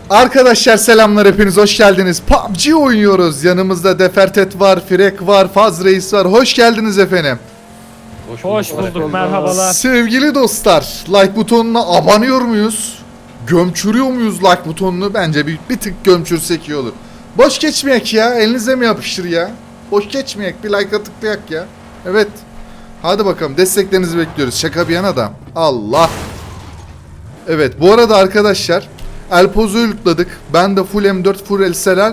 Arkadaşlar selamlar, hepiniz hoş geldiniz. PUBG oynuyoruz. Yanımızda Defertet var, Frek var, Faz Reis var. Hoş geldiniz efendim. Hoş bulduk, merhabalar. Sevgili dostlar, like butonuna abanıyor muyuz? Gömçürüyor muyuz like butonunu? Bence bir tık gömçürsek iyi olur. Boş geçmeyek ya, elinize mi yapıştır ya? Boş geçmeyek, bir like tıklayak ya. Evet. Hadi bakalım, desteklerinizi bekliyoruz. Şaka bir yana da. Allah. Evet, bu arada arkadaşlar Elpoz'u yutladık. Ben de full M4 full SLR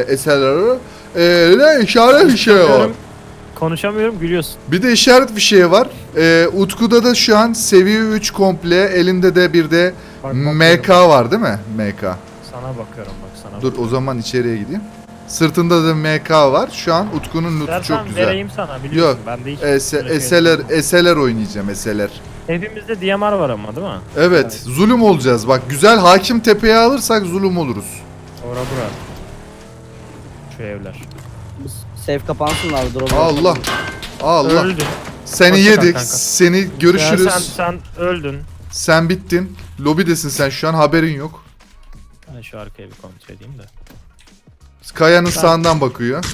ne işaret bir şey var. Konuşamıyorum, gülüyorsun. Bir de işaret bir şey var. Utku'da da şu an seviye 3 komple, elinde de bir de Bak, MK var değil mi? MK. Sana bakıyorum bak sana. Dur o zaman içeriye gideyim. Sırtında da MK var. Şu an Utku'nun lootu çok Dersen güzel. vereyim sana, biliyorsun. Yok. Ben de hiç böyle şey yapmam. SLR oynayacağım, SLR. Hepimizde DMR var ama değil mi? Evet, zulüm olacağız. Bak güzel hakim tepeye alırsak zulüm oluruz. Ora bura. Şu evler. Safe kapansın abi, dur. Allah. Allah. Öldün. Seni Hoşça kal yedik. kanka. Seni görüşürüz. Ya sen öldün. Sen bittin. Lobidesin sen şu an, haberin yok. Ben şu arkaya bir kontrol edeyim de. Kayanın sağından bakıyor.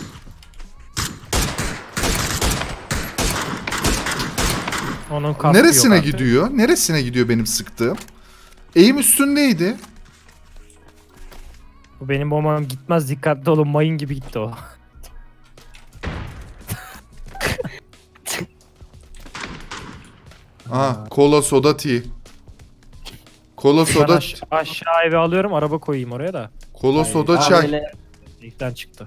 Onun kaskı Neresine yok artık. gidiyor? Neresine gidiyor benim sıktığım? Eğim üstündeydi. Bu benim bombam gitmez, dikkatli olun, mayın gibi gitti o. Aha, kola soda tea. Kola Ben soda, aşağı eve alıyorum, araba koyayım oraya da. kola soda Abi çay. öyle İlkten çıktı.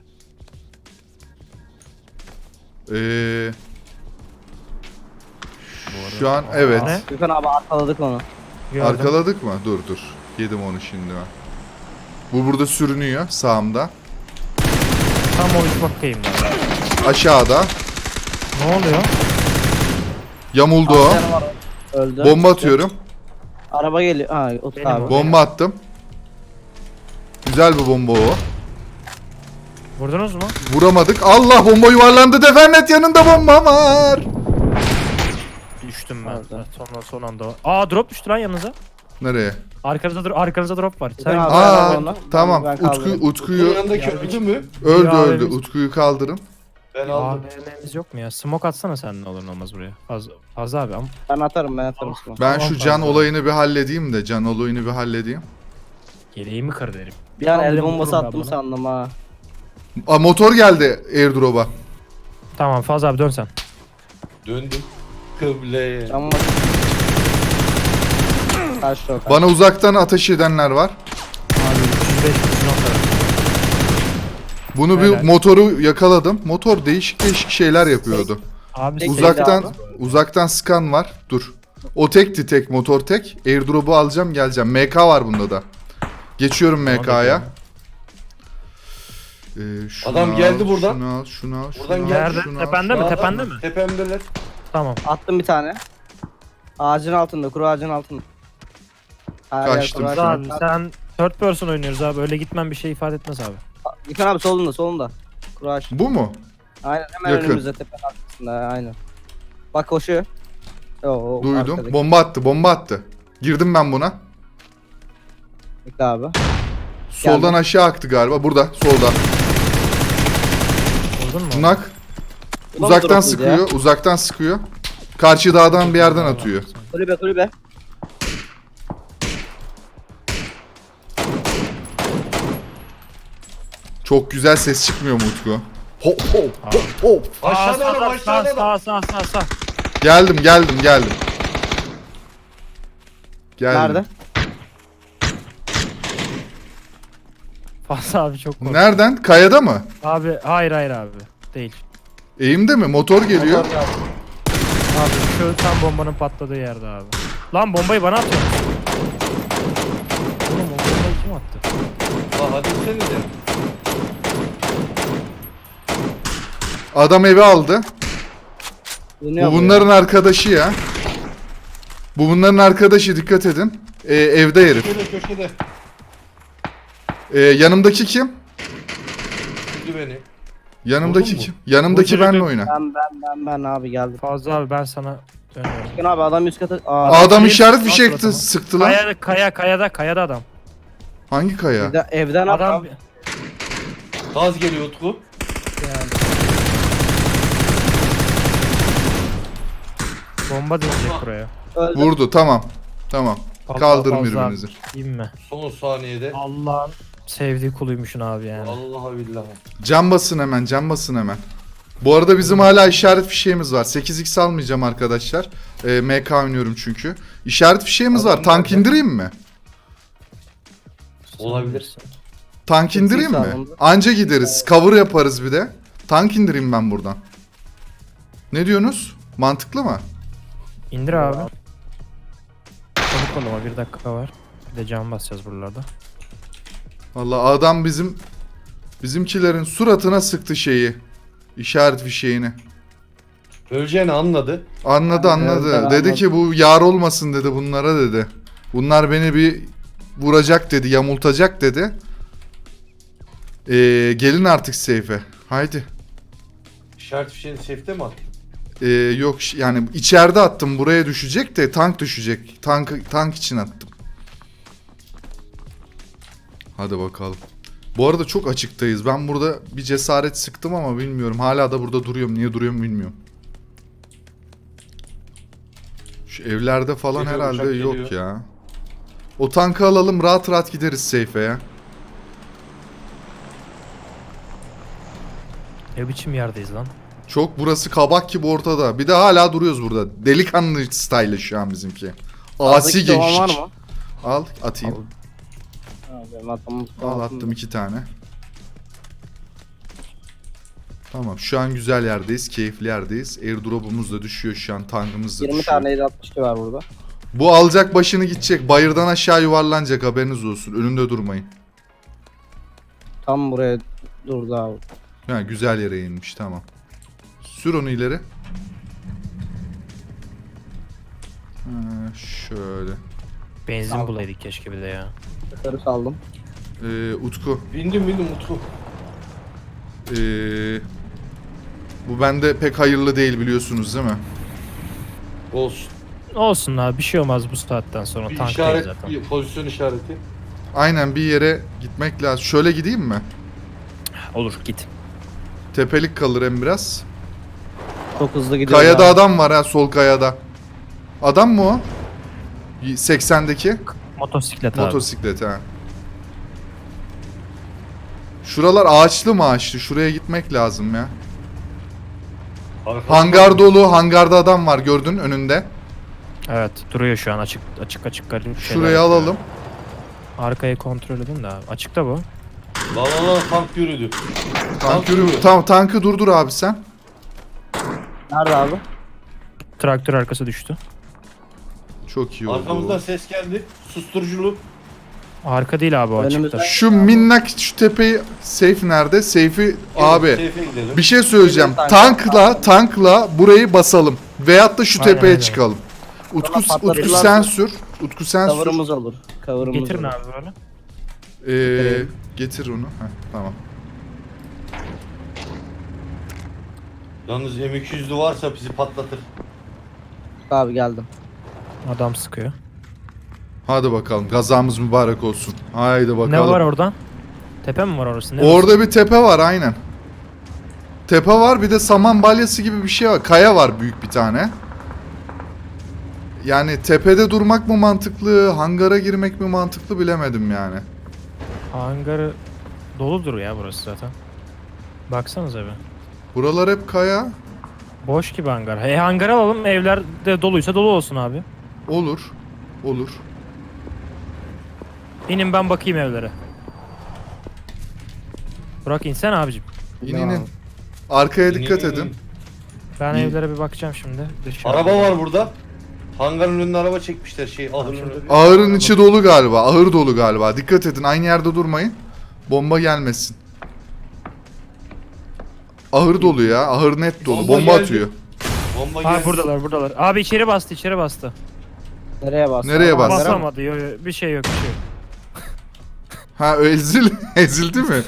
Şu an evet. Ne? Gökhan abi arkaladık onu. Gördüm. Arkaladık mı? Dur. Yedim onu şimdi ben. Bu burada sürünüyor sağımda. Tam o üst bakayım ben. Aşağıda. Ne oluyor? Yamuldu o. Aslanı var, öldü. Bomba atıyorum. Araba geliyor. Ha, Utku Benim abi. o. Bomba attım. Güzel bir bomba o. Vurdunuz mu? Vuramadık. Allah, bomba yuvarlandı. Defernet yanında bomba var. Düştüm ben. Nerede? Son anda. Aa, drop düştü lan yanınıza. Nereye? Arkanızda drop var. Sen Gökhan abi, Aa, araba tamam. ben kaldırırım. Utkuyu Yanındaki Ya, öldü mü? öldü. AVM'miz Utkuyu kaldırın. Ben aldım. AVM'miz yok mu ya? Smoke atsana sen, ne olur ne olmaz buraya. Fazla abi ama. Ben atarım. Sıkma. Ben Tamam, şu can tamam. olayını bir halledeyim de. Can olayını bir halledeyim. Yeleğimi kır derim. Bir an el Kaldırayım, bombası vururum attım ben bunu. sandım ha. Aa, motor geldi airdrop'a. Tamam Fazla abi, dön sen. Döndüm. Kıbleye. Cam var. Kaçtı o. Bana uzaktan ateş edenler var. Abi 305 nokta. Bunu Helal. bir motoru yakaladım. Motor değişik şeyler yapıyordu. Abi Tek- Uzaktan abi. uzaktan skan var. Dur. O tekti, tek motor tek. Airdrop'u alacağım, geleceğim. MK var bunda da. Geçiyorum MK'ya. Adam geldi buradan. Şunu al. Buradan şunu al, geldi. Nerede? şunu al. Tepende mi? Sağdan Tepende mi? Tepemdeler. Tamam. Attım bir tane. Ağacın altında, kuru ağacın altında. Hayır, Kaçtım. kuru ağacın Abi altında. sen third person oynuyoruz abi. Öyle gitmem bir şey ifade etmez abi. Gökhan abi solunda. Kuru ağaç. Bu mu? Aynen, hemen Yakın. önümüzde, tepenin arkasında, aynen. Bak koşuyor. O Duydum. arkadaki. Bomba attı. Girdim ben buna. Bekle abi. Soldan Geldim. aşağı aktı galiba. Burada, solda. Vurdun mu? Nak. Ulan Uzaktan drop'uydu sıkıyor, uzaktan sıkıyor. Karşı dağdan bir yerden atıyor. Kulübe. Çok güzel ses çıkmıyor mu Utku? Hop hop hop hop. Aşağıda adam, aşağıda adam. Sağ. Geldim. Geldim. Nerede? Fazla abi çok korktum. Nereden? Kayada mı? Abi hayır abi. Değil. Eğimde mi? Motor geliyor. Abi şu tam bombanın patladığı yerde abi. Lan bombayı bana atıyor. Oğlum o bombayı kim attı? La hadi seni de. Adam evi aldı. Dönüyor Bu bu bunların arkadaşı ya. Bu bunların arkadaşı, dikkat edin. Evde herif. Köşede. Yanımdaki kim? Üzdü beni. Yanımdaki Vurdun mu? kim? Yanımdaki Vurdum. benle oyna. Ben abi geldim. Fazla abi, ben sana dönüyorum. Gökhan abi adam üst kata... Adam Şey, işaret alt fişek tarafı mı? sıktı lan. Kayada adam. Hangi kaya? Evden Adam abi. Gaz geliyor Utku. bomba dönecek buraya. Öldü. Vurdu, tamam. Tamam. Allah Kaldırın Allah. birbirinizi. Yiyeyim mi? Son saniyede. Allah'ın sevdiği kuluymuşsun abi yani. Vallahi billahi. Cam basın hemen, cam basın hemen. Bu arada bizim hala işaret fişeğimiz var. 8x almayacağım arkadaşlar. MK oynuyorum çünkü. İşaret fişeğimiz var. Adam Tank nerede? indireyim mi? Olabilir. Tank indireyim mi? alındı. Anca gideriz. Cover yaparız bir de. Tank indireyim ben buradan. Ne diyorsunuz? Mantıklı mı? İndir abi. Çabuk ol ama 1 dakika var. Bir de cam basacağız buralarda. Vallahi adam bizimkilerin suratına sıktı şeyi. İşaret fişeğini. Öleceğini anladı. Anladı. Evet, Dedi anladım. ki bu yar olmasın dedi bunlara dedi. Bunlar beni bir vuracak dedi, yamultacak dedi. Gelin artık seyfe. Haydi. İşaret fişeğini safe'te mi attın? Yok yani içeride attım, buraya düşecek de tank düşecek. Tank için attım. Hadi bakalım. Bu arada çok açıktayız. Ben burada bir cesaret sıktım ama bilmiyorum. Hala da burada duruyorum. Niye duruyorum bilmiyorum. Şu evlerde falan Geliyor, herhalde uçak yok geliyor. ya. O tankı alalım, rahat rahat gideriz seyfe ya. Ne biçim yerdeyiz lan? Çok burası kabak gibi ortada. Bir de hala duruyoruz burada. Delikanlı style şu an bizimki. Asi Ağzdaki dolan var gençlik. mı? Al atayım. Ha, benim adamım Al attım 2 tane. Tamam şu an güzel yerdeyiz. Keyifli yerdeyiz. Airdrop'umuz da düşüyor şu an. Tankımız da 20 düşüyor. tane 762 var burada. Bu alacak başını gidecek. Bayırdan aşağı yuvarlanacak, haberiniz olsun. Önünde durmayın. Tam buraya durdu abi. Ha, güzel yere inmiş, tamam. Sür onu ileri. Ha, şöyle. Benzin Tamam. bulaydık keşke bir de ya. Yukarı saldım. Utku. Bindim Utku. Bu bende pek hayırlı değil biliyorsunuz değil mi? Olsun. Olsun abi bir şey olmaz bu saatten sonra. Bir Tanktayız işaret, zaten. bir pozisyon işareti. Aynen, bir yere gitmek lazım. Şöyle gideyim mi? Olur git. Tepelik kalır hem biraz. Çok hızlı gidiyor. Kayada adam var ha, sol kayada. Adam mı o? 80'deki Motosiklet abi. motosiklet ha. Şuralar ağaçlı mı ağaçlı? Şuraya gitmek lazım ya. Arkamda- Hangar dolu. Hangarda adam var, gördün önünde. Evet duruyor şu an açık garip şeyler Şurayı yapıyor. alalım. Arkayı kontrol edin de abi. Açıkta bu. La tank yürüdü. Tank yürü. Tamam, tankı durdur abi sen. Nerede abi? Traktör arkası düştü. Çok iyi oldu. Arkamızdan ses geldi. Susturuculu. Arka değil abi o Önümüzden- açıkta. Şu minnak şu tepeyi, safe nerede? Safe'i abi. Safe'e gidelim. Bir şey söyleyeceğim. Tank- Tankla burayı basalım. Veyahut da şu Aynen, tepeye aynen. çıkalım. Utku Sonra patlatırlar. sen sür. Utku sen sür. Cover'ımız olur. Cover'ımız Getirin olur. abi böyle. Getir onu. Heh, tamam. Yalnız M200'lü varsa bizi patlatır. Abi geldim. Adam sıkıyor. Hadi bakalım. Gazamız mübarek olsun. Haydi bakalım. Ne var oradan? Tepe mi var orası? Ne Orada bir tepe var aynen. Tepe var, bir de saman balyası gibi bir şey var. Kaya var büyük bir tane. Yani tepede durmak mı mantıklı, hangara girmek mi mantıklı bilemedim yani. Hangarı doludur ya burası zaten. Baksanıza bir. Buralar hep kaya. Boş gibi hangar. Hangar alalım evler de doluysa dolu olsun abi. Olur. Olur. İnin ben bakayım evlere. Burak insen abicim. İn. Arkaya dikkat edin. Ben İyi. evlere bir bakacağım şimdi. Dışarı. Araba var burada. Hangarın önüne araba çekmişler ahırın şurada. önüne. Ahırın içi dolu galiba. Ahır dolu galiba. Dikkat edin. Aynı yerde durmayın. Bomba gelmesin. Ahır dolu ya. Ahır net dolu. Bomba Bomba geldi. atıyor. Bomba Ha geldi. buradalar. Abi içeri bastı. Nereye bastın? Nereye bastın? Hangara mı? Basamadı. Bir şey yok. Ha ezildi mi?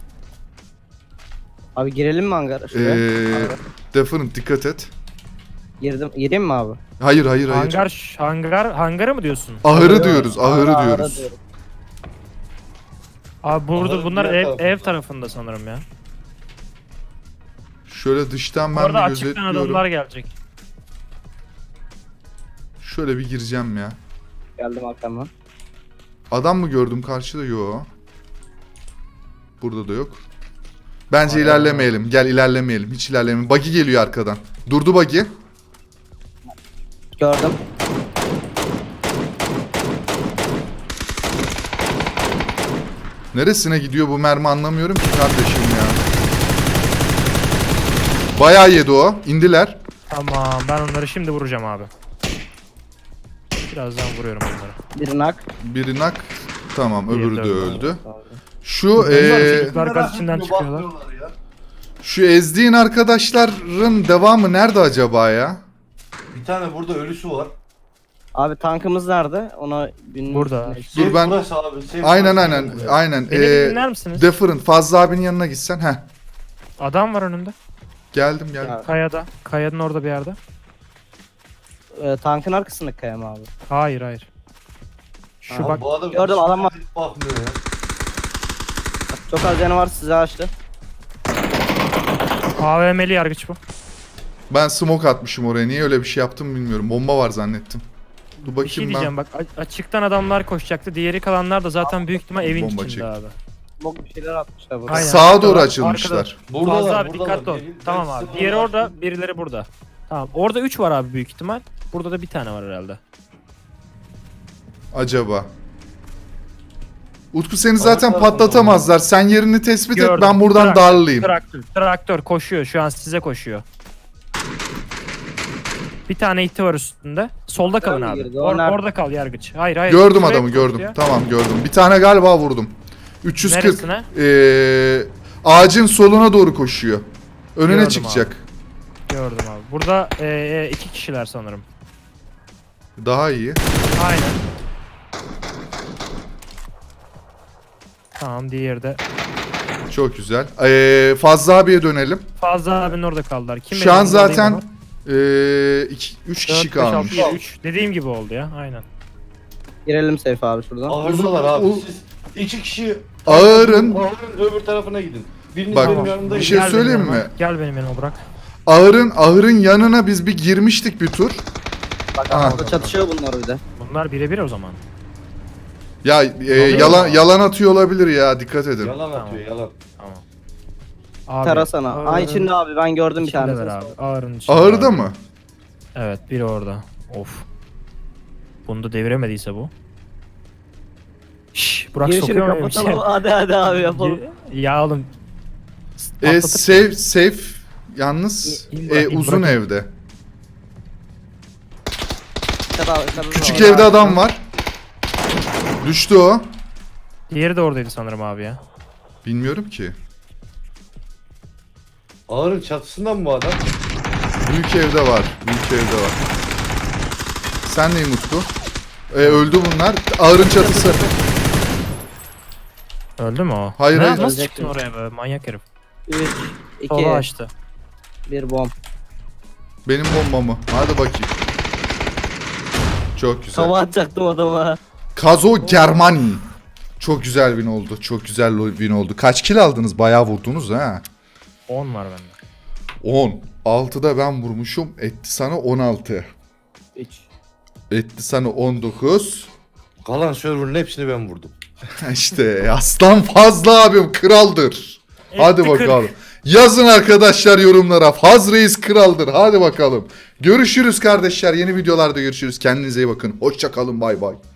Abi girelim mi hangara? Şuraya. Hangara. Definite dikkat et. Gireyim mi abi? Hayır. Hangarı mı diyorsun? Ahırı diyoruz. Ahırı Ahıra diyoruz. diyorum. Abi burada Onların bunlar diğer ev, tarafında. ev tarafında sanırım ya. Şöyle dıştan ben Orada bir açıktan gözetliyorum. adamlar gelecek. Şöyle bir gireceğim ya. Geldim arkamdan. Adam mı gördüm karşıda? Yo. Burada da yok. Bence Aynen. ilerlemeyelim. Gel ilerlemeyelim. Hiç ilerlemeyelim. Buggy geliyor arkadan. Durdu buggy. Gördüm. Neresine gidiyor bu mermi anlamıyorum ki kardeşim ya. Bayağı yedi o. İndiler. Tamam ben onları şimdi vuracağım abi. Birazdan vuruyorum onları. Bir nak. Biri nak. Tamam Diğeri öbürü de de öldü. öldü. Şu Bunlar eee, çocuklar gaz içinden çıkıyorlar. Ya. şu ezdiğin arkadaşların devamı nerede acaba ya? Bir tane burada ölüsü var. Abi tankımız nerede? Ona bilmiyorum. Burada. Dur ben- Burası abi. Aynen aynen aynen. Beni bir dinler misiniz? Different. Fazla abinin yanına gitsen. Heh. Adam var önümde. Geldim geldim. Ya, Kayada. Kayanın orada bir yerde. tankın arkasındaki kaya mı abi? Hayır hayır. Şu Aha, bak Bu adam Gördüm, adam var. Bakmıyor ya. Çok az canı var, size açtı. AVM'li yargıç bu. Ben smoke atmışım oraya. Niye öyle bir şey yaptım bilmiyorum. Bomba var zannettim. Dur Bir şey bakayım diyeceğim ben. bak açıktan adamlar koşacaktı. Diğeri kalanlar da zaten büyük ihtimal evin Bomba içinde çekti. abi. Bok bir şeyler atmışlar burada. Aynen. Sağa doğru Arkada- açılmışlar. Buradalar, Fazla abi buradalar. dikkatli ol. Biri- Tamam ben abi. sıfır Diğeri var. orada, birileri burada. Tamam. Orada 3 var abi büyük ihtimal. Burada da bir tane var herhalde. Acaba. Utku seni zaten Arkadaşlar, patlatamazlar. Sen yerini tespit et. Gördüm. Ben buradan Traktör, darlayayım. Traktör koşuyor. Şu an size koşuyor. Bir tane iti var üstünde. Solda kalın Nerede abi. girdi? O nerede? Orada kal yargıç. Hayır hayır. Gördüm Şuraya adamı koştu gördüm. ya. Tamam gördüm. Bir tane galiba vurdum. 340. Neresine? Ağacın soluna doğru koşuyor. Önüne Gördüm çıkacak. Gördüm abi. Burada 2 kişiler sanırım. Daha iyi. Aynen. Tamam diğeri de. Çok güzel. Fazla abiye dönelim. Fazla abinin orada kaldılar. Kim Şu an zaten 3 kişi kalmış. 3. Dediğim gibi oldu ya. Aynen. Girelim safe abi şuradan. Ahırdalar abi. O- Siz iki kişi Ağırın Ağırın öbür tarafına gidin. Biriniz Bak, benim yanımda bir gidin. şey Gel söyleyeyim benim yanıma. mi? Gel benim yanıma bırak. ahırın yanına biz bir girmiştik bir tur. Bak Aha. orada çatışıyor bunlar bir de. Bunlar birebir o zaman. Ya yalan atıyor olabilir ya, dikkat edin. Yalan Tamam. atıyor yalan. Tamam. Abi, Tarasana. Aa içinde abi ben gördüm bir içinde tane. ver abi. Ağırın içinde. Ağırda abi. mı? Evet biri orada. Of. Bunu da deviremediyse bu. Şşş Burak Girişini sokuyor muyum? kapatalım. Hadi abi yapalım. Ya oğlum. Patlatıp- Safe yalnız uzun bırakın. evde. Küçük Küçük evde adam var. Düştü o. Diğeri de oradaydı sanırım abi ya. Bilmiyorum ki. Ağırın çatısından mı bu adam? Büyük evde var. Büyük evde var. Sen neyim Utku? Öldü bunlar. Ağırın çatısı. Öldü mü o? Hayır, hayır. Nasıl Ölecek çıktın mi? oraya be manyak herif. 3, Sola 2, açtı. 1 bomb. Benim bombamı. Hadi bakayım. Çok güzel. Hava atacaktım adama. Kazo Germani. Çok güzel win oldu. Çok güzel win oldu. Kaç kill aldınız? Bayağı vurdunuz ha. 10 var bende. 10. 6'da ben vurmuşum. Etti sana 16. 3. Etti sana 19. Kalan server'ın hepsini ben vurdum. İşte aslan Fazla abim kraldır. Hadi Etti kırk. bakalım. Yazın arkadaşlar yorumlara. Faz Reis kraldır. Hadi bakalım. Görüşürüz kardeşler. Yeni videolarda görüşürüz. Kendinize iyi bakın. Hoşça kalın. Bay bay.